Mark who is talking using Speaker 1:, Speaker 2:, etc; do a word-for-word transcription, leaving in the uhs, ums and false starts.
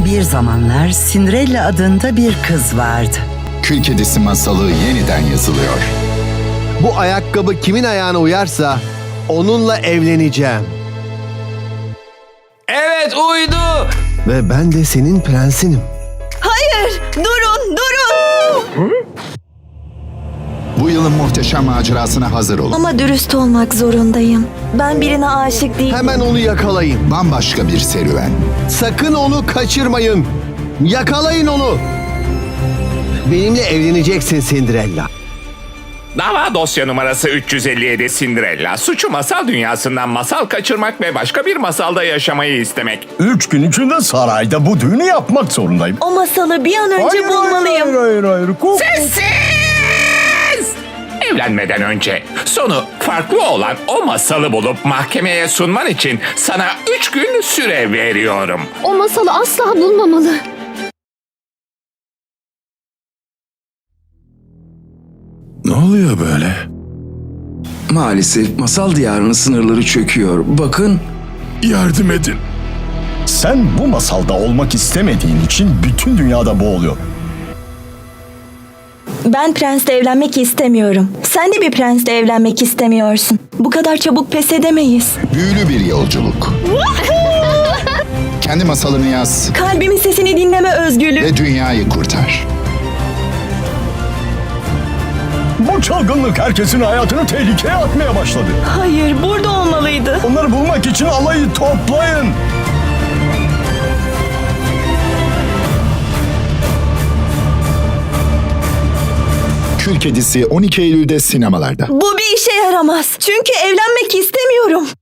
Speaker 1: Bir zamanlar Cinderella adında bir kız vardı.
Speaker 2: Kül Kedisi masalı yeniden yazılıyor.
Speaker 3: Bu ayakkabı kimin ayağına uyarsa onunla evleneceğim.
Speaker 4: Evet, uydu.
Speaker 3: Ve ben de senin prensinim.
Speaker 5: Hayır! Durun! Durun!
Speaker 2: Bu yılın muhteşem macerasına hazır olun.
Speaker 5: Ama dürüst olmak zorundayım. Ben birine aşık değilim.
Speaker 3: Hemen onu yakalayın.
Speaker 2: Bambaşka bir serüven.
Speaker 3: Sakın onu kaçırmayın. Yakalayın onu. Benimle evleneceksin Cinderella.
Speaker 4: Dava dosya numarası üç yüz elli yedi Cinderella. Suçu masal dünyasından masal kaçırmak ve başka bir masalda yaşamayı istemek.
Speaker 6: Üç gün içinde sarayda bu düğünü yapmak zorundayım.
Speaker 5: O masalı bir an önce bulmalıyım.
Speaker 6: Hayır, hayır, hayır. Ko-
Speaker 4: Sessiz! Evlenmeden önce sonu farklı olan o masalı bulup mahkemeye sunman için sana üç gün süre veriyorum.
Speaker 7: O masalı asla bulmamalı.
Speaker 8: Ne oluyor böyle?
Speaker 9: Maalesef masal diyarının sınırları çöküyor. Bakın,
Speaker 8: Yardım edin.
Speaker 6: Sen bu masalda olmak istemediğin için bütün dünyada boğuluyor.
Speaker 5: Ben prensle evlenmek istemiyorum. Sen de bir prensle evlenmek istemiyorsun. Bu kadar çabuk pes edemeyiz.
Speaker 2: Büyülü bir yolculuk. Kendi masalını yaz
Speaker 5: Kalbimin sesini dinleme özgürlüğü.
Speaker 2: ve dünyayı kurtar.
Speaker 6: Bu çılgınlık herkesin hayatını tehlikeye atmaya başladı.
Speaker 5: Hayır, burada olmalıydı.
Speaker 6: Onları bulmak için alayı toplayın.
Speaker 2: Kül Kedisi on iki Eylül'de sinemalarda.
Speaker 5: Bu bir işe yaramaz. Çünkü evlenmek istemiyorum.